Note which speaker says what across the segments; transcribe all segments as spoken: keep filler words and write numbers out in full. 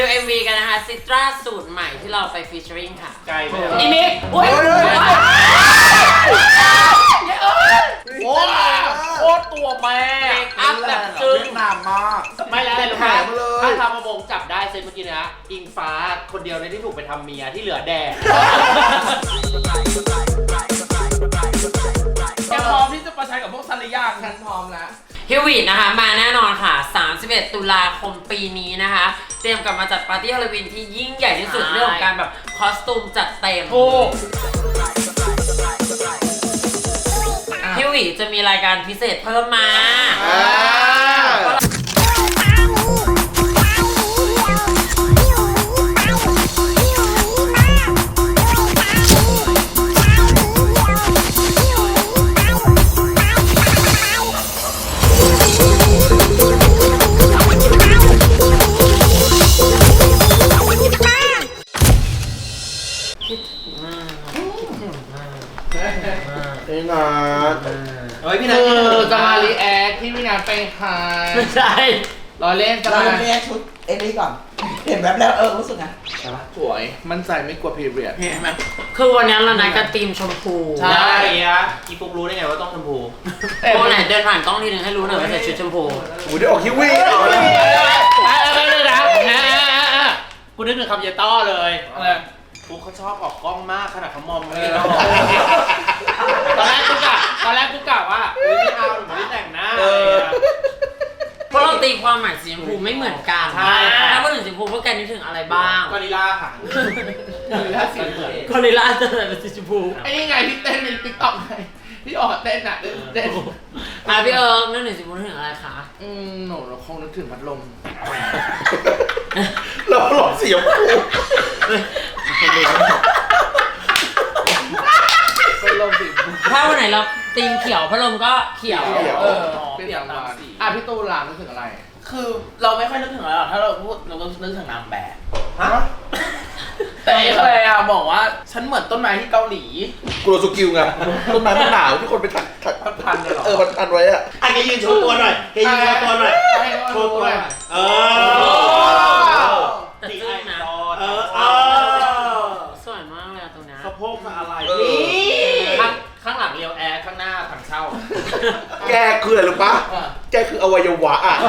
Speaker 1: เอ็มวีกันนะคะซิตราสูตรใหม่ที่เราไปฟีเจอริ่งค่ะ
Speaker 2: ไกลไป
Speaker 1: อีมิกโอ้ย
Speaker 2: โอ้โคตรตัวแม่
Speaker 1: อัพแบบซึ้ง
Speaker 3: หนามมาก
Speaker 2: ไม่แล้วเลยถ้าทำมาบงจับได้เซนเมื่อกี้นะอิงฟ้าคนเดียวในที่ถูกไปทำเมียที่เหลือแดงแกพร้อมที่จะประชันกับพวกซันหรือยังฉันพร้อมแล้ว
Speaker 1: ฮิววีดนะคะมาแน่นอนค่ะสามสิบเอ็ดตุลาคมปีนี้นะคะเตรียมกลับมาจัดปาร์ตี้ฮาโลวีนที่ยิ่งใหญ่ที่สุดเรื่องของการแบบคอสตูมจัดเต็มฮิววีดจะมีรายการพิเศษเพิ่มมา
Speaker 3: พี่นัท
Speaker 2: เฮ้ยพี่นัท
Speaker 4: จะมารีแอคที่พี่นัทไปขาย
Speaker 1: ไม่ใช่
Speaker 4: รอเล่นจะ
Speaker 3: มา
Speaker 4: มา
Speaker 3: เรียกชุดเอ็นนี่ก่อนเห็นแบบแล้วเออรู้สึกไง
Speaker 4: ใช่ปะสวยมั่นใจไม่กลัวพีเรียด
Speaker 1: เห็นไหมคือวันนี้เรานัดกันทีมชมพู
Speaker 2: ใช่อะอีฟุกรู้ได้ไงว่าต้องชมพู
Speaker 1: โอ้ไหนเดินผ่านกล้องทีนึงให้รู้หน่อยว่าใส่ชุดชมพู
Speaker 3: โอ้ยได้ออกคิววี่
Speaker 2: อะไรเลยนะกูนึกถึงคำเยต้อเลยอะไรฟุกเขาชอบออกกล้องมากขนาดเขามองไม่ได้ตอนแรกกูกะตอนแรกกูกะว่าไม่เอาหนูไม่ได้แต่งหน้า
Speaker 1: เพราะเราตีความหมายสีชมพูไม่เหมือนกัน
Speaker 2: ใช่
Speaker 1: ถ้าพูดถึงสีชมพูพวกแกนึกถึงอะไรบ้าง
Speaker 2: กอริลลาค่ะ
Speaker 4: กอริลลาสีเหมือน
Speaker 1: กอริลลาจะเป็นสีชมพู
Speaker 4: ไอ้นี่ไงที่เต้นในติ๊กต็อกไงที่ออกเต้นอ่ะเต้น
Speaker 1: อ่ะพี่เอิร์กนึกถึงสีชมพูนึกถึงอะไรคะ
Speaker 4: อืมหนูคงนึกถึงพัดลม
Speaker 3: เราหลอกสีชมพู
Speaker 4: พัดลมสี
Speaker 1: ถ้าวันไหนเราตีมเขียวพัดลมก็เขียว
Speaker 4: เออเปลี่ยนตามสีอ่ะพี่ตูนล่ะนึกถึงอะไร
Speaker 5: คือเราไม่ค่อยนึกถึงอะไรหรอกถ้าเราพูดเราก็นึกถึงนางแบบ
Speaker 2: ฮะ
Speaker 5: แต่เอเคยอะบอกว่าฉันเหมือนต้นไม้ที่เกาหลี
Speaker 3: กูโรสุกิวไงต้นไม้มันหนาวที่คนไปถักถัก
Speaker 2: พันเลยหรอ
Speaker 3: เออมันพันไว้อะ
Speaker 2: อ่ะแกยืนโชว์ตัวหน่อยแกยืนโชว์ตัวหน่อยโชว์ตัวเออ
Speaker 1: แต่ซึ่งนะ
Speaker 2: เออเออ
Speaker 1: สวยมากเลยตรงนี้
Speaker 2: สะโพกอะไรนี่ข้างข้างหลังเรียวแอร์ข้างหน้าถังเช่า
Speaker 3: แกคืออะไรรู้ปะแกคืออวัยวะอ่ะ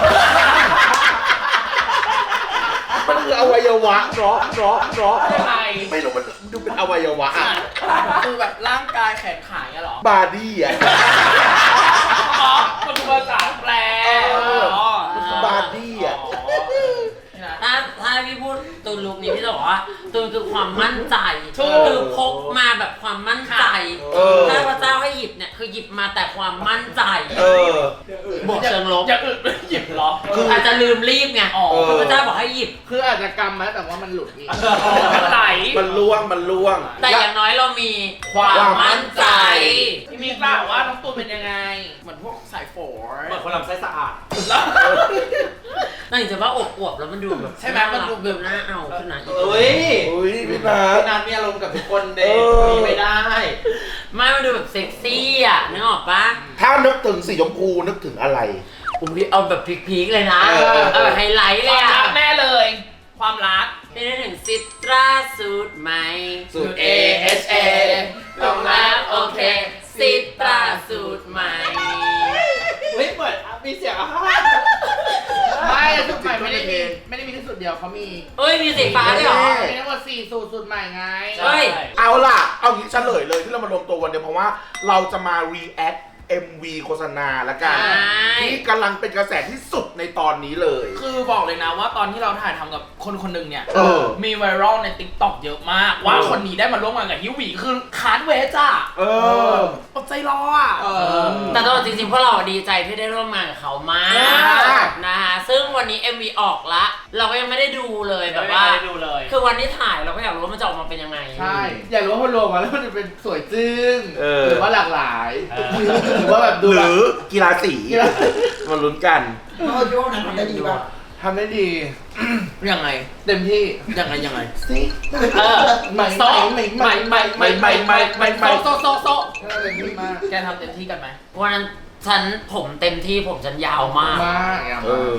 Speaker 3: มันคืออวัยวะเนาะเนาะเนาะไม่รู้มันดูเป็นอวัยวะอ่ะ
Speaker 5: คือแบบร่างกายแขนขาเนี่ยหรอบ
Speaker 3: าดี้อ่ะ
Speaker 5: อ๋อมันคือภาษาแปล
Speaker 3: บาดี้อ่ะ
Speaker 1: ถ้าถ้าพี่พูดตูนลุคนี้พี่จะบอกว่าตูนคือความมั่นใจคือพกมาแบบความมั่นใจถ้าพระเจ้าให้หยิบเนี่ยคือหยิบมาแต่ความมั่นใจบวกเชิงลบ
Speaker 5: จะอึดไม่หยิบหรอ
Speaker 1: คืออาจจะลืมรีบไงคือพระเจ้าบอกให้หยิบ
Speaker 4: คืออาจจะกำมาแต่ว่ามันหลุดนี่
Speaker 1: มันไหล
Speaker 3: มันล่วงมันล่วง
Speaker 1: แต่อย่างน้อยเรามีความมั่นใจ
Speaker 5: พี่มีกล่าวว่าน้องตูนเป็นยังไงเหมือนพวกสายฝน
Speaker 2: เหมือนคนลำไส้สะอาด
Speaker 1: น่าจะว่าอบอวบแล้วมันดูแบบ
Speaker 5: ใช่ไหมมันดูแบบ
Speaker 1: น่าเอาขึ้นนะ
Speaker 2: เอ้ย
Speaker 3: เฮ้ยพี่นัท
Speaker 2: พี่นัทมีอารมณ์กับทุกคนเด็กมีไม่ได้
Speaker 1: ไม่มันดูแบบเซ็กซี่อ่ะนึกออกปะ
Speaker 3: ถ้านึกถึงสีชมพูนึกถึงอะไร
Speaker 1: ผมพี่เอาแบบพีคๆเลยนะเอาแบบไฮไลท์เลยอ่ะ
Speaker 5: แน่เลยความรัก
Speaker 1: นี่นึกถึงซิตราสูตรใหม่
Speaker 3: สูตร
Speaker 1: เอ เอช เอ ลงแล้วโอเคซิตราสูตรใหม่
Speaker 2: เฮ้ยเปิดมีเสียงอ่ะ
Speaker 4: ไม่สูตรใหม่ไม่ได้มีไม่ได้มีแค่สูตรเดียวเขามี
Speaker 1: เอ้ยมีสีฟ้าด้วยเหรอ
Speaker 4: มีทั้งหมดสี่สูตรสูตรใหม่ไง
Speaker 1: เฮ้ย
Speaker 3: เอาล่ะเอางี้เฉลยเลยที่เรามารวมตัววันเดียวเพราะว่าเราจะมา react เอ็ม วี โฆษณาละกันที่กำลังเป็นกระแสที่สุดในตอนนี้เลย
Speaker 5: คือบอกเลยนะว่าตอนที่เราถ่ายทำกับคนคนหนึ่งเนี่ยมีไวรัลใน ติ๊กต็อก เยอะมากว่าคนนี้ได้มาร่วมงานกับฮิววีคือคาร์ดเวจ้ะ
Speaker 3: เออ
Speaker 5: อดใจรออ่ะ
Speaker 1: แต่ตลอดจริงๆพวกเราดีใจที่ได้ร่วมงานกับเขามากนะฮะซึ่งวันนี้ เอ็ม วี ออกละเราก็ยังไม่ได้ดูเลยแบบว่าคือวันที่ถ่ายเราก็อยากรู้ว่ามันจะออกมาเป็นยังไง
Speaker 4: ใช่อยากรู้ว่าพอรวมมาแล้วมันจะเป็นสวยจึ้งหรือว่าหลากหลายหรือว่าแบบ
Speaker 3: หรือกีฬาสีมาลุ้นกัน
Speaker 4: โอ้ยทำได้ดีป่ะทำได้ดี
Speaker 5: ยังไง
Speaker 4: เต็มที่
Speaker 5: ยังไงยังไง
Speaker 4: เออใหม่ใหม่ใหม่ใหม่ใหม่ใหม่ใหม่ใหม่ใหม่ใหม่
Speaker 5: โซโซโซ
Speaker 4: เต็มที่มาก
Speaker 5: แกทำเต็มที่กันไหม
Speaker 1: วันนั้นฉันผมเต็มที่ผมฉันยาวมาก
Speaker 4: มาก
Speaker 5: ฉั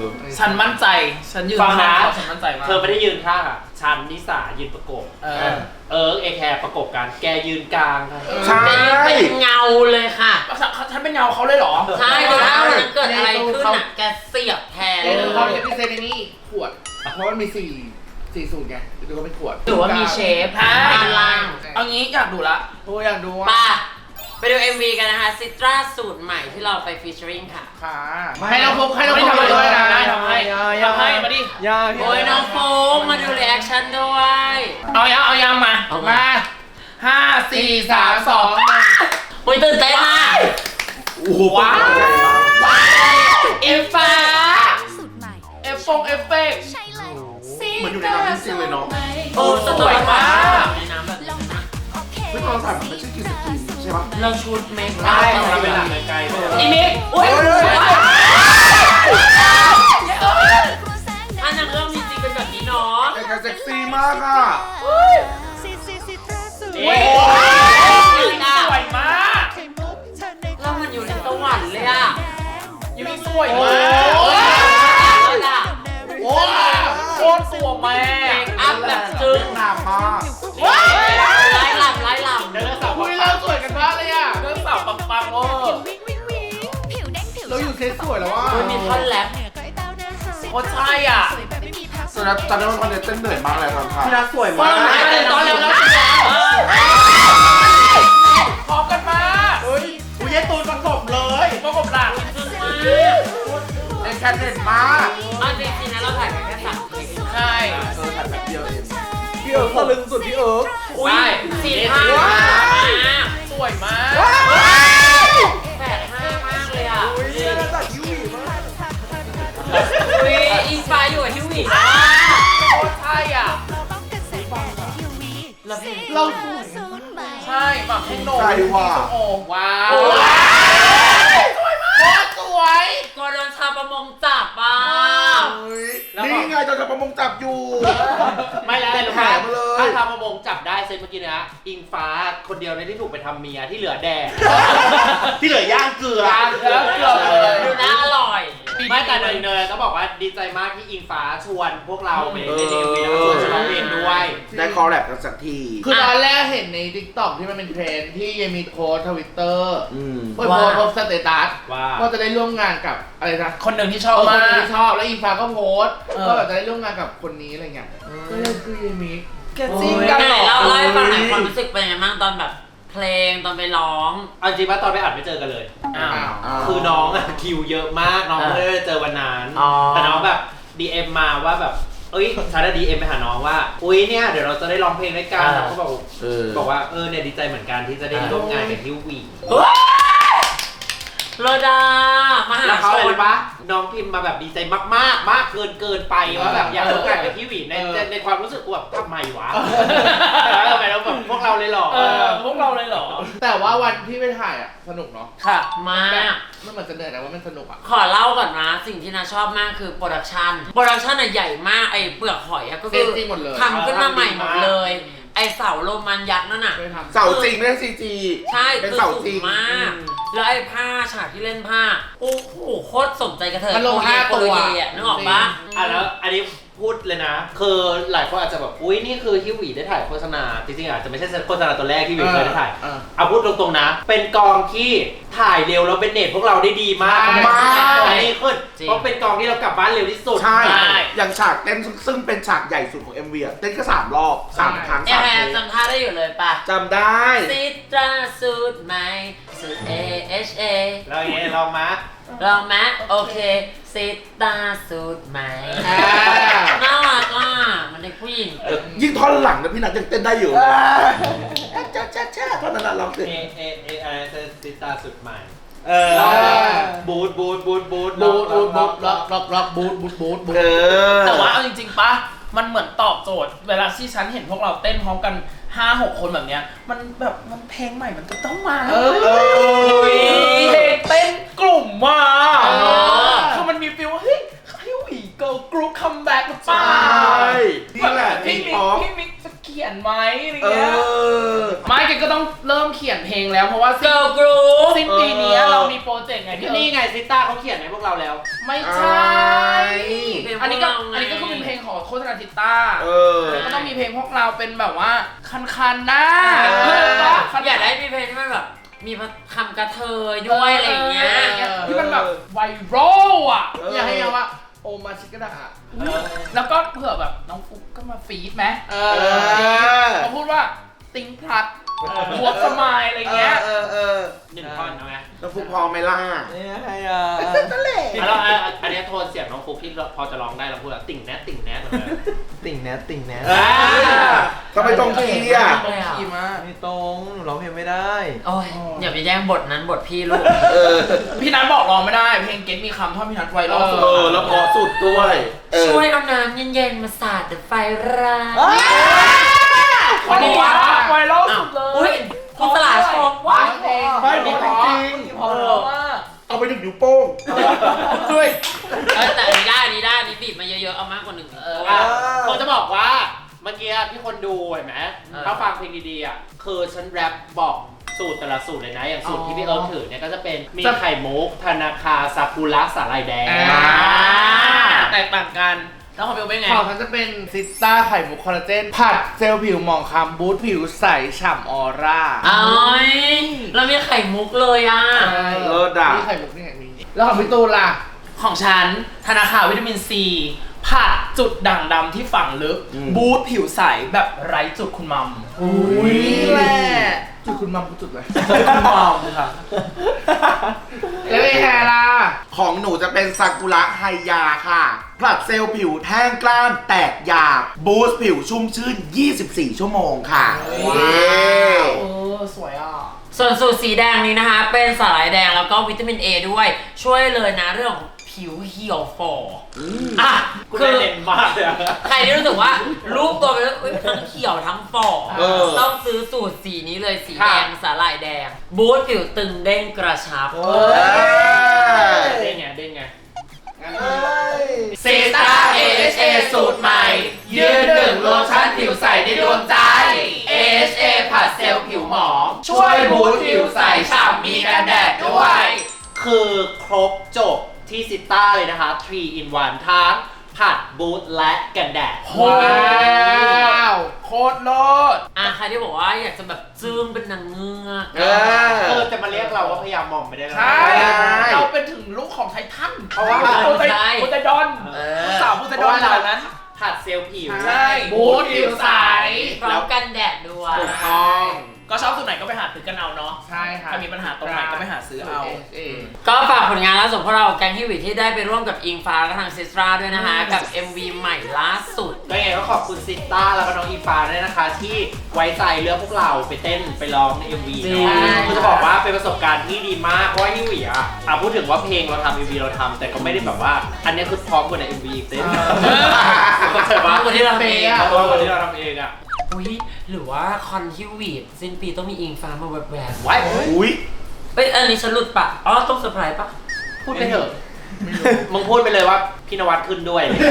Speaker 5: ฉันมั่นใจฉันยืน
Speaker 2: ฟังนะ
Speaker 5: ข้างฉันมั่นใจมาก
Speaker 2: เธอไม่ได้ยืนข้างอ่ะฉันนิสายืนประกบ
Speaker 5: เออ
Speaker 2: เออเอแคร์ประกบกันแกยืนกลางค่ะ
Speaker 3: ใช่
Speaker 1: เป็นเงาเลยค่ะ
Speaker 5: ฉันเป็นเงาเขาเลยเหรอ
Speaker 1: ใช่คือถ้าวันนั้นเกิดอะไรขึ้นอ่ะแกเสียบแทน
Speaker 4: เอ
Speaker 1: เล
Speaker 4: อย เขาเป็นพิเศษในนี่ขวด เพราะมันมีสี่สี่สูตรไงดูเขาเป็นขวด
Speaker 1: หรือว่ามีเชฟ
Speaker 5: อ่า
Speaker 1: ด้านล่าง
Speaker 5: เอางี้อยากดูละ
Speaker 4: โอ้ยอยากดูว่า
Speaker 1: ป่ะไปดู เอ็ม วี กันนะคะซิตราสูตรใหม่ที่เราไปฟีเจอริงค่ะ
Speaker 4: ขาให้เราพกให้เรา
Speaker 5: ไม่
Speaker 4: พก
Speaker 5: ทำ
Speaker 4: ไป
Speaker 5: อะไร
Speaker 4: ด้วยนะ
Speaker 5: ได้ทำให้ทำให้มาดิ
Speaker 1: โอ้ยน้องโฟกมาดูรีแอคชั่นด้วย
Speaker 5: เอายังเอายังมา
Speaker 1: เอา
Speaker 5: มา
Speaker 1: มา
Speaker 5: ห้าสี่สามสอง
Speaker 1: โอ้ยตื่นเต้นมาก
Speaker 3: โอ้โห
Speaker 5: ว้าว
Speaker 3: ใหญ่มาก
Speaker 5: เอฟฟ้า
Speaker 6: สุดใหม่
Speaker 5: เอฟฟงเอฟเฟกต์
Speaker 6: ใช่เลย
Speaker 3: เหมือนอยู่ในน้ำจริงๆเลยเนาะ
Speaker 1: โอ้ส
Speaker 5: ส
Speaker 1: ว
Speaker 5: วย ย
Speaker 1: มาม
Speaker 5: าก ก
Speaker 1: ในน้ำแบบ
Speaker 6: ลองนะโอเค
Speaker 3: เฮ้ยตอนถ่ายมันไม่ใช่กินสกินใช่ปะ
Speaker 1: เราชุดเมค
Speaker 2: ใช่
Speaker 1: อัพ
Speaker 2: เราเป็นหลังไกลๆด้วย
Speaker 5: อีมิกอุ้ย
Speaker 3: เฮ้ย
Speaker 1: อันนั้นเรื่องมีจริงเป็นแบบนี้เนาะ
Speaker 3: ไอ้กาเซ็กซี่มากอ่ะ
Speaker 6: ซีซีซีตราสูตร
Speaker 5: นี่สวยมาก
Speaker 6: ไข่มุกเธอใน
Speaker 1: แล้วมันอยู่ในสวรรค์เลยอะ
Speaker 5: ยูมิสวยมาก
Speaker 1: แล้วอะ
Speaker 5: โอ้โคตรสวยแม่
Speaker 1: อัพแบบจึ้ง
Speaker 3: งามมาก
Speaker 1: ไล่ลำไล่ลำ
Speaker 2: เดินสาว
Speaker 4: อุ้ยเราสวยกันมากเลยอ่ะ
Speaker 5: เรื่องสาวปังๆเวอร์
Speaker 6: วิ่งวิ่งวิ่งผิวแดงผิว
Speaker 4: เราอยู่เซตสวยแล้วว่า
Speaker 1: โอ้ยมีท่อนแรป
Speaker 5: โอ้ใช่อ่ะ
Speaker 6: สวยแบบไม่มีพัก
Speaker 3: สนับตอนนั้นมันเต้นเหนื่อยมากเลยตอนถ่าย
Speaker 2: พี่รักสวย
Speaker 1: เฟิ
Speaker 2: มา
Speaker 1: ร์มหาย
Speaker 2: ก
Speaker 1: ไปตอนเร็วแล้วสิแล้ว
Speaker 5: พร้อมกันมาก
Speaker 4: เฮ้ยอุ้ยยายตูนประกบเลย
Speaker 5: ประกบหลัง
Speaker 1: จึ้งมาก
Speaker 3: ไอ้แคทเด่นมาก
Speaker 1: เอาจริงๆนะเราถ่ายกันแค่สามคลิป
Speaker 5: ใช่
Speaker 3: เออถ่ายแบบเดียวเอง
Speaker 4: พี่เอิร์กตะลึงสุดพี่เอิร์ก
Speaker 1: อุ้ยสีผ้า
Speaker 5: สวยมาก
Speaker 1: แปดห้ามากเลยอ่ะ
Speaker 4: อุ้ยน่าจัดยูวีมาก
Speaker 1: อุ้ยอินสปายอยู่กับฮิววี่
Speaker 5: โอ้ใช่อ่ะ
Speaker 6: ป้องกันแสงแดดและ ยู วี
Speaker 1: แล้วเพลง
Speaker 4: เราสวย
Speaker 6: สูตรใหม่
Speaker 5: ใช่แบบให้โหน
Speaker 3: ใช่ว่ะ
Speaker 5: โอ้ว้าว
Speaker 1: โอ้ย
Speaker 5: สวยมากสวย
Speaker 1: กลัวโดนชาวประมงจับอ่ะ
Speaker 3: นี่ไงตอนจะประมงจับอยู่
Speaker 2: ไม่แล้วเลยรู้ไหม
Speaker 3: แถมมาเลย
Speaker 2: ถ้าทำประมงจับได้เซตเมื่อกี้นะอิงฟ้าคนเดียวในที่ถูกไปทำเมียที่เหลือแดก ที่เหลือย่างเกลือ
Speaker 5: แล้วเกือบเลย
Speaker 1: ดูน่าอร่อย
Speaker 2: ไม่แต่เนยเนยก็บอกว่าดีใจมากที่อิงฟ้าชวนพวกเราไปเล่นเอ็มวีแล้วก็ชวนฉันร้องเพลงด้วย
Speaker 3: ได้คอลแลบกันสักที
Speaker 4: คือตอนแรกเห็นใน ทิกตอก ที่มันเป็นเทรนด์ที่ยังมีโค้ดทวิตเตอร์
Speaker 3: อืม
Speaker 4: โพสต์โพสต์สเตตัส
Speaker 2: ว่า
Speaker 4: ว่าจะได้ร่วมงานกับอะไรนะ
Speaker 5: คนหนึ่งที่ช
Speaker 4: เอ
Speaker 5: อบ
Speaker 4: อค
Speaker 5: มาน ก
Speaker 4: ที่ชอบแล้วอีฟ้าก็โพสต์
Speaker 5: เออ
Speaker 4: ก็แบบจะได้ร่วมงานกับคนนี้อะไรเงี้ยก็เลยคือเยมิก
Speaker 5: แกจริงกัน
Speaker 1: ไหน
Speaker 5: เหรอ
Speaker 1: เราเล่าให้ฟังหน่อยความรู้สึกเป็นยังไงบ้างตอนแบบเพลงตอนไปร้อง
Speaker 2: เอาจริงว่าตอนไปอัดไม่เจอกันเลย
Speaker 5: อ้าว
Speaker 3: อ้าว
Speaker 2: คือน้องอะคิวเยอะมากน้องไม่ได้เจอวันนั้น
Speaker 1: อ๋อ
Speaker 2: แต่น้องแบบ ดี เอ็ม มาว่าแบบเอ้ยฉันได้ ดี เอ็ม ไปหาน้องว่าอุ้ยเนี่ยเดี๋ยวเราจะได้ร้องเพลงด้วยกันน้องก็บอก
Speaker 3: เออ
Speaker 2: บอกว่าเออเนี่ยดีใจเหมือนกันที่จะได้ร่วมงานกับฮิววี
Speaker 1: โรดา มหา
Speaker 2: แล้ว
Speaker 1: ช
Speaker 2: เขาอะไร
Speaker 1: น
Speaker 2: รู้ปะน้องพิมพ์มาแบบดีใจมากๆ มากเกินเกินไปว่าแบบอยากร่วมงานกับฮิววีในในในความรู้สึกกูแบบทำไมวะแล้วทำไมเราแบบพวกเราเลยเหรอ
Speaker 5: เออพวกเราเลยเหรอ
Speaker 4: แต่ว่าวันที่ไปถ่ายอ่ะสนุกเนาะ
Speaker 5: ค่ะ
Speaker 1: มาก
Speaker 4: มันเหมือนจะเหนื่อยแต่ว่ามันสนุกอ่ะ
Speaker 1: ขอเล่าก่อนนะ สิ่งที่นาชอบมากคือโปรดักชันโปรดักชันอะใหญ่มากไอ้เปลือกหอยอะก็คือ
Speaker 4: เซตจริงหมดเลย
Speaker 1: ทำขึ้นมาใหม่หมดเลย ไอ้เสาโรมันยักษ์นั่นน่ะ
Speaker 4: เคยทำ
Speaker 3: เสาจริงไม่ใช่ซีจี
Speaker 1: ใช่
Speaker 3: เป็น
Speaker 1: คือ
Speaker 3: เสา
Speaker 1: สู
Speaker 3: จริ
Speaker 1: ง
Speaker 3: ง
Speaker 1: มาก แล้วไอ้ผ้าฉากที่เล่นผ้า โอ้โหโคตรสมใจกระเทย
Speaker 4: มันลง
Speaker 1: โปรเย
Speaker 4: ห้า
Speaker 1: โปร
Speaker 4: ตัว
Speaker 1: เยอะนึกออกปะ
Speaker 2: อ่ะแล้วอันนี้พูดเลยนะ คือหลายคนอาจจะแบบอุ้ยนี่คือฮิววีได้ถ่ายโฆษณาจริงๆอาจจะไม่ใช่โฆษณาตัวแรกที่วิวเคยได้ถ่าย
Speaker 4: เออ
Speaker 2: เอาพูดตรงๆนะ เป็นกองที่ถ่ายเร็วแล้วเป็นเน็ตพวกเราได้ดีมาก
Speaker 4: มาก
Speaker 2: อันนี้ขึ้นเพราะเป็นกองที่เรากลับบ้านเร็วที่สุด
Speaker 3: ใช่
Speaker 5: ใช่
Speaker 3: อย่างฉากเต้นซึ่งซึ่งเป็นฉากใหญ่สุดของ เอ็ม วีอะเต้นแค่สามรอบสามครั้ง
Speaker 1: แอ
Speaker 3: สาม
Speaker 1: แฮ
Speaker 3: เท
Speaker 1: น
Speaker 3: ค
Speaker 1: จำท่าได้อยู่เลยปะ
Speaker 3: จำได้
Speaker 1: ซิตราสูตรใหม่สูตร A H A
Speaker 2: แล้วอย่างเงี้ยลองมา
Speaker 1: ลองไหมโอเคซิตราสูตรใหม่
Speaker 4: อ่า
Speaker 1: น่ารักอ่ะมันเด็กผู้หญิง
Speaker 3: ยิ่งท่อนหลังนะพี่นัทยังเต้นได้อยู่จ้าจ้าจ้าท่อนนั้นอะลองสิ
Speaker 2: เอเอเออะไรซิตาสุดใหม่เอ
Speaker 4: เออ
Speaker 2: บูทบูทบูทบูท
Speaker 4: บูดบูดบูดล็อกล็อกล็อกบูดบูดบูดบูด
Speaker 3: เออ
Speaker 5: แต่ว่าเอาจริงๆปะมันเหมือนตอบโจทย์ เวลาที่ฉันเห็นพวกเราเต้นพร้อมกันห้าหกคนแบบเนี้ย มันแบบมันเพลงใหม่มันจะต้องมา
Speaker 4: เออ
Speaker 3: เออ
Speaker 5: เพลงเต้นกลุ่มมา
Speaker 1: เออ
Speaker 5: คือมันมีฟีลว่าเฮ้ยฮิววีเกิร์ลกรุ๊ปคัมแบ็กหรือเปล่า
Speaker 3: ใช่นี่แหละ
Speaker 5: พี่
Speaker 3: พี่
Speaker 5: มิก
Speaker 3: ป๊อป
Speaker 5: พี่มิกจะเขียนไหมอะไร
Speaker 3: เอ
Speaker 5: เงี้ย
Speaker 3: อ
Speaker 5: ไม่แกก็ต้องเริ่มเขียนเพลงแล้วเพราะว่าสิ้น
Speaker 1: เกิร์ลกรุ๊ป
Speaker 5: สิ้นปีนี้เรามีโปรเจกต์ไงพี่
Speaker 2: นี่ไงซิต้าเขาเขียนให้พวกเราแล้ว
Speaker 5: ไม่ใช่
Speaker 3: ใช่
Speaker 5: อันนี้ก็
Speaker 1: เราไง
Speaker 5: อันนี้ก็คือเป็นเพลงของโฆษณาทิต้า
Speaker 3: เออ
Speaker 5: แล้วก็ต้องมีเพลงพวกเราเป็นแบบว่าคันๆหน้า
Speaker 3: เออ
Speaker 1: อยากได้มีเพลงที่มันแบบมีคำกระเทยด้วยอะไรอย่างเงี้ย
Speaker 5: ที่มันแบบไวรัลอ่ะ
Speaker 4: อยากให้ยังว่าโอมาชิกระดา
Speaker 5: แล้วก็เผื่อแบบน้องฟุกก็มาฟีดไหม
Speaker 4: เอ
Speaker 3: เอ
Speaker 4: อ
Speaker 3: อ
Speaker 5: เขาพูดว่าติงพลัดบวกสมายอะไรเงี้ย
Speaker 3: เออเออ
Speaker 2: หนึ่งท่อนเอาไหม
Speaker 3: แล้วฟุกพอไหมล่ะ
Speaker 4: เนี่ยไงอ่ะ
Speaker 2: แล้วอ่ะอันนี้โทนเสียงน้องฟุกที่พอจะร้องได้เราพูดแบบติ่งแนทติ่งแนทเหมือนกัน
Speaker 7: ติ่งแนทติ่งแนท
Speaker 2: อ่า
Speaker 3: ทำไมต้องคีย์อ่ะ
Speaker 5: ขี่มา
Speaker 7: ไม่ตรงหนูร้องเพลงไม่ได้
Speaker 1: โอ้ยอย่าไปแย่งบทนั้นบทพี่ลูก
Speaker 3: เออ
Speaker 5: พี่นัทบอกร้องไม่ได้ เพลงเก็ตมีคำท่อนพี่นัทไวรัลสุด
Speaker 3: เออ แล้วพอสุดด้วยเออ
Speaker 1: ช่วยเอาน้ำเย็นๆมาสาดเดอะไฟราด
Speaker 5: คนนี้ว่าไวรัลสุดเล
Speaker 1: อุ้
Speaker 5: ย
Speaker 1: ยคุณสลาชม
Speaker 5: ว้า
Speaker 1: ว่า
Speaker 5: เพลง
Speaker 3: ไม่ดีจริง
Speaker 5: เพราะว่า
Speaker 3: เอาไปหนึ่งนิ้วโป้ง
Speaker 5: ด้วย
Speaker 1: เออแต่อันนี้ได้อันนี้ได้อันนี้บีบมาเยอะๆเอามากกว่าหนึ่ง
Speaker 5: เออ
Speaker 2: อ่ะผมจะบอกว่าเมื่อกี้ที่คนดูเห็นไหม
Speaker 1: เออ
Speaker 2: ถ้าฟังเพลงดีๆอ่ะคือฉันแรปบอกสูตรแต่ละสูตรเลยนะ อย่างสูตรที่พี่เอิร์ธถือเนี่ยก็จะเป็นมีไข่มุกธนาคาซากุระสาหร่ายแดง
Speaker 5: อ่าแตกต่างกัน แล้วของเบลเป็นไง
Speaker 4: ของฉันจะเป็นซิสต้าไข่มุกคอลลาเจน ผัดเซลล์ผิวหมองคล้ำบูสต์ผิวใสฉ่ำออร่า
Speaker 1: เอ้ยเรามีไข่มุกเลยอ่ะ
Speaker 3: เลิศอ่ะ
Speaker 4: นี่ไข่มุกนี่ไงมีแล้วของพี่ตูนล่ะ
Speaker 5: ของฉันธนาคารวิตามินซีผัดจุดด่างดำที่ฝังลึก
Speaker 3: อืม
Speaker 5: บูสต์ผิวใสแบบไร้จุดคุณมัม
Speaker 4: อุ้ยแหละจุดคุณมัมกูจุดเลย
Speaker 5: คุณมัมค่ะ
Speaker 4: แล้วไอ้แฮล่ะ
Speaker 3: ของหนูจะเป็นซากุระไฮยาค่ะผลัดเซลล์ผิวแห้งกล้านแตกหยาบ บูสต์ผิวชุ่มชื่น ยี่สิบสี่ ชั่วโมงค่ะ
Speaker 5: ว้าว
Speaker 3: เย้
Speaker 5: เออสวยอ่ะ
Speaker 1: ส่วนสูตรสีแดงนี้นะคะ เป็นสาหร่ายแดงแล้วก็วิตามิน A ด้วย ช่วยเลยนะเรื่องของผิวเหี่ยวฝ่อออ่ะ
Speaker 2: คุณ
Speaker 1: คื
Speaker 2: ได้
Speaker 1: อ
Speaker 2: เด่นมากเลยอะ
Speaker 1: ใครที่รู้สึกว่ารูปตัวเป็นอุ๊ยทั้งเขียวทั้งฝ่อ
Speaker 3: เออ
Speaker 1: ต้องซื้อสูตรสีนี้เลยสีแดงสาหร่ายแดง บูสต์ผิวตึงเด้งกระชับ
Speaker 3: เออ
Speaker 2: เด้งไงเด้งไง
Speaker 5: เซตา เอ เอช เอ สูตรใหม่ ยืนหนึ่งโลชั่นผิวใสในดวงใจ เอ เอช เอ ผัดเซลล์ผิวหมอง ช่วยบูสต์ผิวใสฉ่ำมีกันแดดด้วย
Speaker 2: คือครบจบที่ซิต้าเลยนะคะ ทรี in วัน ทั้งผัดบูทและกันแดด
Speaker 5: ว้าว โคตรโลด
Speaker 1: อ่ะใครที่บอกว่าอยากจะแบบจึ้งเป็นนางเงือก
Speaker 3: เออ
Speaker 2: เออจะมาเรียกเราว่าพยายามมองไม่ได้แล้ว
Speaker 5: ใช่
Speaker 3: ใช่
Speaker 5: เราเป็นถึงลูกของไททัน
Speaker 2: เพราะว่า
Speaker 5: โพไซโพไซดอน
Speaker 1: เอ
Speaker 5: ลูก
Speaker 1: อ
Speaker 5: สาวโพไซดอนเหล่านั้น
Speaker 2: ผัดเซลล์ผิว
Speaker 5: ใช่บูสต์ผิวใส
Speaker 1: พร้อมกันแดดด้วย
Speaker 3: ถูกต้อง
Speaker 5: ก็ชอบสูตรไหนก็ไปหาซื้อกันเอาเนาะ
Speaker 4: ใช่ค่ะ
Speaker 5: ถ้ามีปัญหาตรงไหนก็ไปหาซื้อเอา
Speaker 4: เอ
Speaker 1: ก็ฝากผลงานล่าสุดพวกเราแก๊งฮิวิที่ได้ไปร่วมกับอิงฟ้าและทางซิสตราด้วยนะคะ กับ เอ็ม วี ใหม่ล่าสุด
Speaker 2: ก็ยังไงก็ขอบคุณซิต้าแล้วก็น้องอีฟ้าด้วยนะคะ ที่ไว้ใจเลือกพวกเราไปเต้นไปร้องใน เอ็ม วี
Speaker 1: จริง
Speaker 2: เนาะคือจะบอกว่าเป็นประสบการณ์ที่ดีมากเพราะว่าฮิวิอ่ะอ่ะพูดถึงว่าเพลงเราทำ เอ็ม วี เราทำแต่ก็ไม่ได้แบบว่า อันนี้คือพร้อมกว่าใน เอ็ม วี อีกเต้นเข้าใจปะ
Speaker 1: มากกว่าที่เราทำเอง
Speaker 2: พร้อมกว่าที่เราทำเองอ่ะ
Speaker 1: อุ้ยหรือว่าคอนฮิวิตสิ้นปีต้องมีอิงฟ้ามาแวบๆ
Speaker 2: ไว้
Speaker 3: อุ้ย
Speaker 1: เอ้ยอันนี้ฉันหลุดปะอ๋อต้องเซอร์ไพรส์ปะ
Speaker 2: พูดไปเถอะมึงพูดไปเลยว่าพี่นวัดขึ้นด้วยเลย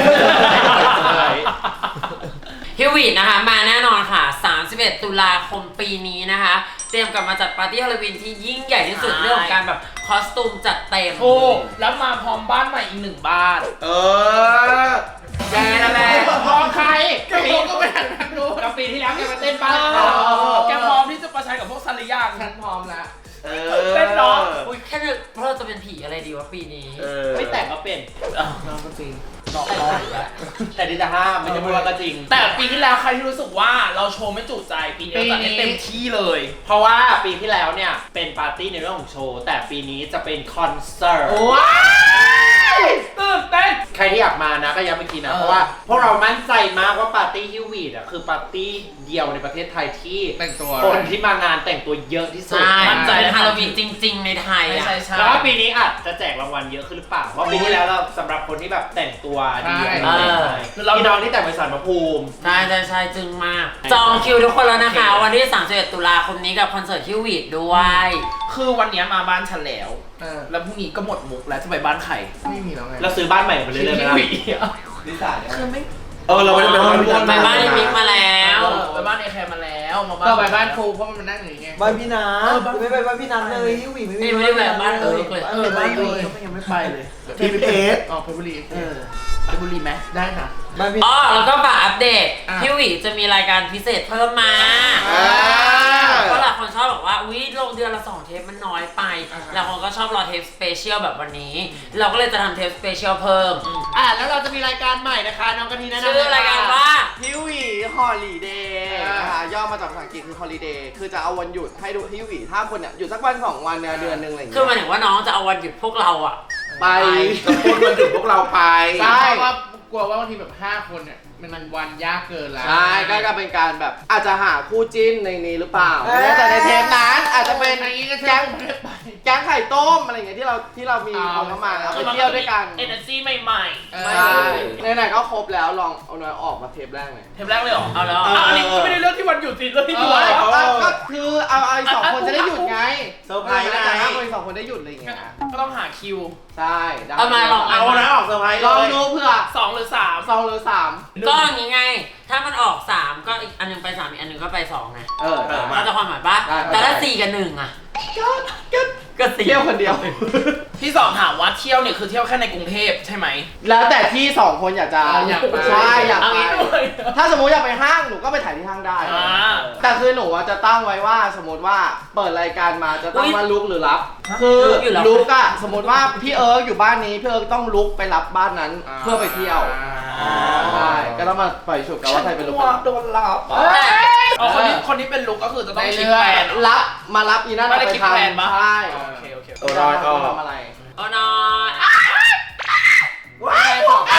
Speaker 1: ฮิวิตนะคะมาแน่นอนค่ะ สามสิบเอ็ด ตุลาคมปีนี้นะคะ เตรียมกลับมาจัดปาร์ตี้ฮาโลวีนที่ยิ่งใหญ่ที่สุด
Speaker 5: ใช่
Speaker 1: เรื่องของการแบบคอสตูมจัดเต็ม
Speaker 5: โอ้แล้วมาพร้อมบ้านใหม่อีกหนึ่งบ้าน
Speaker 3: เออ
Speaker 1: แกนะแม่
Speaker 2: พร้อมใคร
Speaker 5: แกพร้อมก็ไปทางนั้นดู
Speaker 2: กับปีที่แล้วแกมาเต้นบ้าน
Speaker 5: เอ
Speaker 2: เขา
Speaker 5: อแกพร้อมที่จะประชันกับพวกซาริยาง
Speaker 4: ฉันพร้อมแล้ว
Speaker 3: เอ
Speaker 5: เต้นเนาะ
Speaker 1: อุ้ยแค่นึกเพราะเราจะเป็นผีอะไรดีวะปีนี้
Speaker 3: เออ
Speaker 2: ไม่แต่งก็เป็น
Speaker 4: น้องก็จริง
Speaker 2: แต่ดิจะห้ามไม่ใช่พูดว่าก็จริง
Speaker 5: แต่ปีที่แล้วใครที่รู้สึกว่าเราโชว์ไม่จุใจปีนี้เราจัดให้เต็มที่เลย
Speaker 2: เพราะว่าปีที่แล้วเนี่ยเป็นปาร์ตี้ในเรื่องของโชว์ แต่ปีนี้จะเป็นคอนเสิร์ต
Speaker 5: ว้ายตื่นเต้น
Speaker 2: ใครที่อยากมานะก็ย้ำอีกทีนะ
Speaker 5: เออ
Speaker 2: เพราะว่าพวกเรามั่นใจมากว่าปาร์ตี้ฮิววีดอ่ะคือปาร์ตี้เดียวในประเทศไทยที่
Speaker 4: แต่งตัว
Speaker 2: คนที่มางานแต่งตัวเยอะที่สุด
Speaker 1: ใช่
Speaker 5: มั่นใจ
Speaker 1: เป็นฮาโลวีนจริง ๆ ในไทย
Speaker 5: ใช่
Speaker 1: อ่ะ
Speaker 5: ใช่ใช่
Speaker 2: แล้วก็ปีนี้อาจจะแจกรางวัลเยอะขึ้นหรือเปล่าเพราะปีที่แล้วเราสำหรับคนที่แบบแต่งตัวดี
Speaker 4: ใช่
Speaker 2: อะไรอย่างเงี้ยพี่น้องที่แต่งเป็นสารพระภูมิ
Speaker 1: ใช่ใช่ใช่จึงมาก จองคิวทุกคนแล้วนะคะ วันที่สามสิบเอ็ดตุลาคมนี้กับคอนเสิร์ตฮิวิตด้วย
Speaker 5: คือวันนี้มาบ้านฉันแล้ว
Speaker 4: เออ
Speaker 5: แล้วพรุ่งนี้ก็หมดมุกแล้วจะไปบ้านใคร
Speaker 4: ไม่มีแล้วไง
Speaker 2: เราซื้อบ้านใหม่ไปเรื่อยๆไหมล่ะ
Speaker 5: ฮิวิอะ
Speaker 7: นิสาเนี่ย
Speaker 5: คือไม่
Speaker 3: เออเราไม่ได้ไปบ้าน
Speaker 1: ไปบ้านมิกมาแล้ว
Speaker 5: เออไปบ้านบ้านเอแคร์มาแล้วมาบ้าน
Speaker 4: ต่อไปบ้านครูเพราะมันนั่งอย่างเงี้ย
Speaker 7: บ้านพี่นัทไม่ไปบ้านพี่นัทเลยฮิวี่ไม่
Speaker 1: นี่ไม่ได้แบบบ้านเอิร์กเลย
Speaker 4: เออบ้านเลยยังไม่ไปเลย
Speaker 3: ทีมเพชร
Speaker 4: อ๋อเพชรบุรี
Speaker 7: เออ
Speaker 4: เพชรบุรีไหมได้ค่ะ
Speaker 7: บ้านพี่
Speaker 1: อ๋อแล้วก็ฝากอัปเดต
Speaker 4: อ่ะ
Speaker 1: พี่หวีจะมีรายการพิเศษเพิ่มมา
Speaker 3: อ่า
Speaker 1: เพราะหลายคนชอบบอกว่าอุ้ยลงเดือนละสองเทปมันน้อยไปหลายคนก็ชอบรอเทปสเปเชียลแบบวันนี้ เราก็เลยจะทำเทปสเปเชียลเพิ่ม
Speaker 2: อ่ะแล้วเราจะมีรายการใหม่นะคะน้องกะทิแนะนำ
Speaker 1: ชื่อรายการว่า
Speaker 7: ฮิวี่ฮอลิเดย์นะคะย่อมาจากภาษาอังกฤษคือฮอลิเดย์คือจะเอาวันหยุดให้ดูฮิวี่ถ้าคนเนี่ยหยุดสักวันสองวันเนี่ยเดือนหนึงอะไรอย่าง
Speaker 1: คือ
Speaker 7: เงี้
Speaker 1: หมาย
Speaker 7: ย
Speaker 1: ถึงว่าน้องจะเอาวันหยุดพวกเราอะ
Speaker 7: ไป
Speaker 3: จะพูดมันถึงพวกเราไป
Speaker 7: ใช่
Speaker 4: เพราะว่ากลัวว่าบางทีแบบห้าคนเนี่ยมันวันยากเกินแล้ว
Speaker 7: ใช่ก็จะเป็นการแบบอาจจะหาคู่จิ้นในนี้หรือเปล่าไม่แน่ใจในเทปนั้นอาจจะเป็น
Speaker 4: อันนี้ก็
Speaker 7: แก๊ง
Speaker 4: ไม่ได้ไป
Speaker 7: แก๊งไข่ต้มอะไรอย่างเงี้ยที่เราที่เรามีคนเข้ามาแล้วไปเที่ยวด้วยกัน
Speaker 5: เอเนอร์จีใหม่
Speaker 7: ใช่ไหนๆก็ครบแล้วลองเอาหน่อยออกมาเทปแรกหน่อย
Speaker 5: ๆเทปแรกเลยเหรอ
Speaker 1: เอาแล้ว
Speaker 5: อ่ะอันนี้ก็ไม่ได้เรื่องที่วันหยุดสิเรื่องที่
Speaker 4: เอ
Speaker 5: ดู
Speaker 4: อ
Speaker 5: อะไร
Speaker 7: ก็ก็คือเอาไอ้สองคนจะได้หยุดไง
Speaker 3: เซอร์ไพรส์ไง
Speaker 7: แต่ถ้าคนสองคนได้หยุดอะไรอย่างเงี้ย
Speaker 5: ก็ต้องหาคิว
Speaker 7: ใช่ได้
Speaker 1: เอามาลอง
Speaker 3: เอานะออกเซอร์ไพรส์
Speaker 7: ล
Speaker 3: เล
Speaker 7: อง
Speaker 3: ย
Speaker 7: ดูเผื่อ
Speaker 5: สองหรือสาม
Speaker 7: สองหรือสาม
Speaker 1: ก็อย่างงี้ไง ถ้ามันออกสามก็อีกอันหนึงไปสามอีกอันหนึงก็ไปสองไง
Speaker 7: เออ
Speaker 3: เออ
Speaker 1: เข้าใจความหมายปะ
Speaker 7: ได้
Speaker 1: แต่ถ้าสี่กับหนึ่งอะก็สี่
Speaker 7: เที่ยวคนเดียว
Speaker 5: พี่สองถามว่าเที่ยวเนี่ยคือเที่ยวแค่ในกรุงเทพใช่ไหม
Speaker 7: แล้วแต่ที่สองคนอยากจะ
Speaker 4: อยากไป
Speaker 7: ใช่อยาก
Speaker 5: เอา
Speaker 7: ไป
Speaker 5: งี้ด้วย
Speaker 7: ถ้าสมมติอยากไปห้างหนูก็ไปถ่ายที่ห้างได้
Speaker 5: อ่า
Speaker 7: แต่คือหนูอะจะตั้งไว้ว่าสมมติว่าเปิดรายการมาจะตั้งว่าลุกหรือรับ คือลุกอะสมมติว่าพี่เอิร์กอยู่บ้านนี้พี่เอิร์กต้องลุกไปรับบ้านนั้นเพื่อไปเที่ยวใช่ก็ต้องมาปล่อยฉุกกันว่าใครเป็นลุก
Speaker 5: โดนหลับอ๋อคนที่คนที่เป็นลุกก็คือจะต้องคิดแผน
Speaker 7: รับมารับอีนั่น
Speaker 5: ไม่ได้
Speaker 7: ไป
Speaker 5: คิด
Speaker 7: ท
Speaker 5: แผนปะ
Speaker 7: ำใช่
Speaker 5: โอเคโอเค
Speaker 3: เออรอยออก
Speaker 7: ทำอะไร
Speaker 1: เอาหน่อย
Speaker 3: ว้าย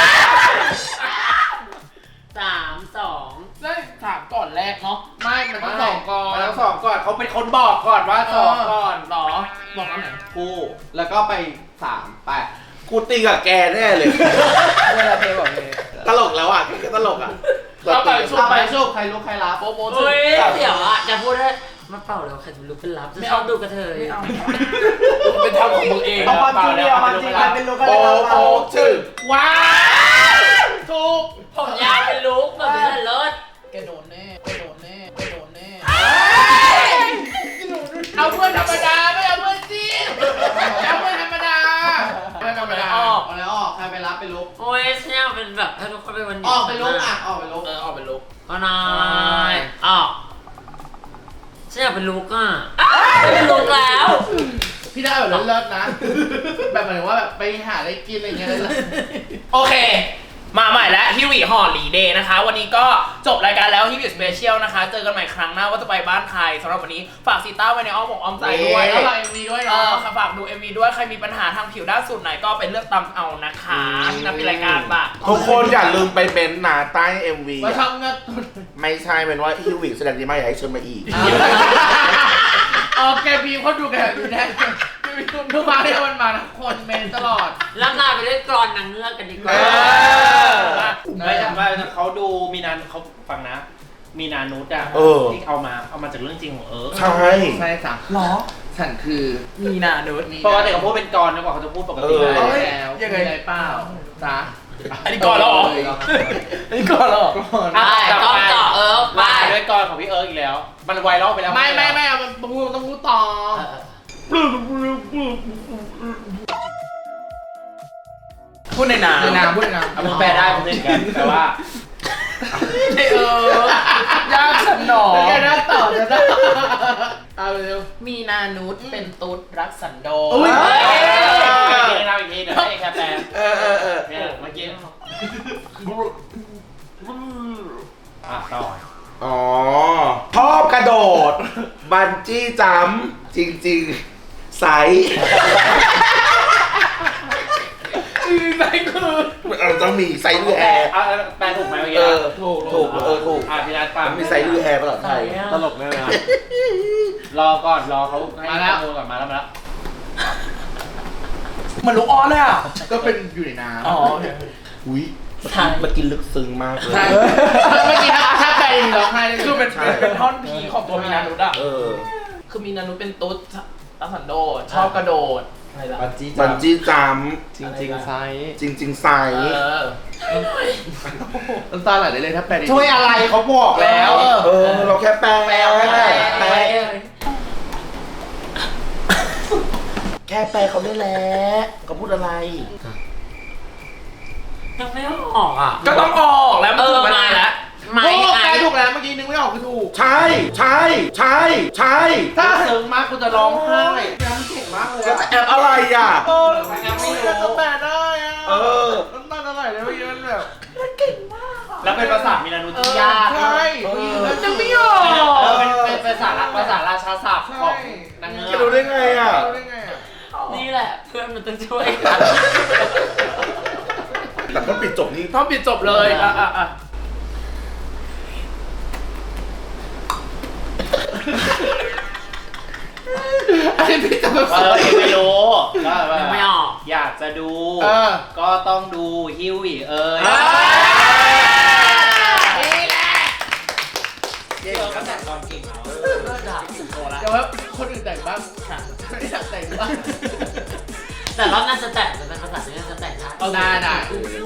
Speaker 1: สามสอง
Speaker 5: ได้ถามก่อนแรกเนาะ
Speaker 4: ไม่มันต้องสองก่อน
Speaker 2: มาทั้งสองก่อนเขาเป็นคนบอกก่อนว่าสองก่อน
Speaker 5: หรอบอกอันไหน
Speaker 7: คู่แล้วก็ไปสามไป
Speaker 3: กูตีกับแกแน่เลย
Speaker 7: เวลาเทบอกเลย
Speaker 3: ตลกแล้วอ่ะแกตลกอ่ะ
Speaker 5: เอาไปชุบ
Speaker 7: เอา
Speaker 5: ไป
Speaker 7: ไปสู้ใครลุกใครรับ
Speaker 5: โปโป
Speaker 1: เฮ้ยเดี๋ยวอะจะพูดให้มาเป่าแล้วใครจะรู้เป็นลับจะชอบดูกระเทย
Speaker 5: ไม่เอาเป็นทำของมึงเอง
Speaker 7: เอาความจริงเอาความจริงใครเป็นลุกใคร
Speaker 3: โป
Speaker 7: เป็นรับ
Speaker 3: โปชื่อ
Speaker 5: ว้าวถูก
Speaker 1: ผมยาวเป็นลุกแบบนี้เลิศ
Speaker 5: แกโดนแน่แกโดนแน่แกโดนแน่เอาเพื่อนธรรมดาไม่เอาเพื่อนจีนเอาเพื่อนธรรมดา
Speaker 4: ไม่ธรรมดา
Speaker 5: ออก
Speaker 7: เอาแล้วออกใครไปรับไปลุก
Speaker 1: โอ้ยฉันอยากเป็นแบบถ้าทุกคนเป็นวันหยุด
Speaker 7: ออกไปลุกอ่ะออกไปลุก
Speaker 5: เออออกเป็นลุก
Speaker 1: เอาหน่อยออกฉันอยากเป็นลุกอ่ะไม่เป็นลุกแล้ว
Speaker 4: พี่ได้แบบเลิศๆนะ แบบหมายถึงว่าแบบไปหาอะไรกินอะไรเงี้ยเลย
Speaker 5: โอเค มาใหม่แล้วฮิวิฮอลลีเดย์นะคะ วันนี้ก็จบรายการแล้วฮิวิสเปเชียลนะคะ เจอกันใหม่ครั้งหน้าว่าจะไปบ้านใครสำหรับวันนี้ฝากซีต้าไว้ในอ้อมอกอ้อมใจด้วย
Speaker 4: แล้วเราเอ็มวีด้วย
Speaker 5: เอ
Speaker 4: เนาะ
Speaker 5: อค่ะฝากดู เอ็ม วี ด้วย ใครมีปัญหาทางผิวด้านสูตรไหนก็ไปเลือกตามเอานะคะที่นับเป็นรายการปะ
Speaker 3: ทุกคนอย่าลืมไปเม้นต์นะใต้ เอ็ม วี
Speaker 4: มาทำเงิน
Speaker 3: ไม่ใช่เป็นว่าฮิวิแสดงดีมากอยากให้เชิญมาอีก
Speaker 4: โอเคพีเขาดูกันดูแน่ทุกมาที่มันมานะคนเมนตลอด
Speaker 1: ล่ำลาไปด้วยกรอนนางเงือกกันดีกว่า
Speaker 3: เออ
Speaker 2: ไม่ใช่ว่าเขาดูมีนานเขาฟังนะ มีนานุษย์อ่ะ
Speaker 3: เออ
Speaker 2: ที่เอามาเอามาจากเรื่องจริงของเอิร์ก
Speaker 3: ใช่
Speaker 4: ใช่จ้ะหรอ ฉันคือ
Speaker 5: มีนานุษ
Speaker 2: ปกติเขาพูดเป็นกรนะกว่าเขาจะพูดปกติ
Speaker 3: เออ
Speaker 2: ได้
Speaker 4: แล้วยังไงเปล่าจ้ะ
Speaker 5: อันนี้ก่อนแล้วเหรออันนี้ก่อนแล้วเหรอ
Speaker 1: ไปต้องเจาะเอิร์กไป
Speaker 2: มาด้วยกรของพี่เอิร์กอีกแล้ว มันไวรัลไปแล้ว
Speaker 4: ไม่ไม่ไม่เอามันพูดต้องพูดต่อ
Speaker 5: พูดในนา
Speaker 4: ในนามพูดในนาม
Speaker 2: เอามันแปลได้มันเล่นกันแต่ว่า
Speaker 5: เออยากสนอ
Speaker 4: แกน่าต่อจะได้เอาเร็ว
Speaker 5: มีนานุษเป็นตุ๊ดรักสันโดษ
Speaker 4: อุ๊ย
Speaker 2: เฮ้ยอีกทีเราอีกทีเดี๋ยวให้แค่แปล
Speaker 3: เออเออเออ
Speaker 2: เนี่ยเมื่อกี้อ่ะต่อ
Speaker 3: อ๋อชอบกระโดด บันจี้จัมป์จริงๆ ใส
Speaker 5: ไหนคือ
Speaker 3: เราต้องมีไซส์ลือแอร์
Speaker 2: เอาแปลถูกไหมเมื่อ
Speaker 3: เอ
Speaker 2: กี้
Speaker 3: อ ถูกถูกเออถูก
Speaker 2: อ่ะพี่นัทฟัง
Speaker 3: มันมีไซส์ลือแอร์ภาษาไทย
Speaker 2: ตลกเลยนะรอก่อนรอเขาให้ข้อมูลก่อนมาแล้วมาแล้ว
Speaker 5: มันลูกอ้อนเลยอ่ะ
Speaker 4: ก็เป็นอยู่ในน้ำ
Speaker 5: อ๋อ
Speaker 3: อุ้ยมากินลึกซึ้งมากเลย
Speaker 4: ใช่เมื่อกี้ถ้าถ้าแปลร้องไห้เลย
Speaker 5: คือเป็น
Speaker 3: ใช่
Speaker 5: เป็นท่อนพีของตัวมีนานุษอ่ะ
Speaker 3: เออ
Speaker 5: คือมีนานุษเป็นตุ๊ดรักสันโดษชอบกระโดดอะไรล่ะ
Speaker 7: บันจี้
Speaker 3: บันจี้จัมป์
Speaker 7: จริงจริงๆไซส์
Speaker 3: จริง ๆ ไซ
Speaker 5: เอ
Speaker 3: ส์
Speaker 5: อ
Speaker 7: น้ำตาไหลได้เลยถ้าแปลดี
Speaker 2: ช่วยอะไรเขาบอกแล้ว
Speaker 3: เออ เราแค่แปลแปลแปลแปลแค่แปลเขาได้แล้วเขาพูดอะไร
Speaker 1: ยังไม่ออกอ่ะ
Speaker 4: ก็ต้องออกแล้วมันถึงเวลาแล้ว
Speaker 1: ไม่
Speaker 7: โอ้
Speaker 1: ไอ
Speaker 7: แปลถูกแล้วเมื่อกี้นึกไม่ออกคือถูก
Speaker 3: ใช่ ใช่ ใช่ ใช่
Speaker 7: ถ้าซึ้งมากกูจะร้องไห้น้ำเก่งมากเลย
Speaker 3: จะแอบอะไรอ่ะ
Speaker 7: โอ้แล้วไม่รู้ก็แปลได้อะ
Speaker 3: เออ
Speaker 7: น้ำตาไหลเลยเมื่อกี้มันแบบ
Speaker 2: แล้วเป็นภาษามิลานุที่ยาก
Speaker 7: ใช่
Speaker 3: เออ
Speaker 7: มันจะไม่ออก
Speaker 2: เออเป็นเป็นภาษาภาษาราชาศัพท์ของนางเงื
Speaker 3: จะ
Speaker 2: อก
Speaker 3: รู้ได้ไงอ่ะ
Speaker 7: รู้ได้ไงอ่ะ
Speaker 1: นี่แหละเพื่อนมันต้องช่วยกัน
Speaker 3: แต่ก็ปิดจบนี้
Speaker 4: ต้องปิดจบเลยอ่ะอ่ะอ่ะ
Speaker 7: อันนี้พี่จะมา
Speaker 2: เออยังไม่รู้ก็ว่า
Speaker 1: ยังไม่ออก
Speaker 2: อยากจะดู
Speaker 7: เออ
Speaker 2: ก็ต้องดูฮิวอีเอ้ย
Speaker 7: นี่แหละ
Speaker 2: เก่งก็แต่งตอนเก่งเนาะ
Speaker 7: เดี๋ยวว่าคนอื่นแต่งบ้างไม่อยากแต่งบ้าง
Speaker 1: แต่รอบหน่าจะแต่งจะเป็นภาษาที่น่าจะแต่งได้
Speaker 7: เอาได้ได้
Speaker 3: เ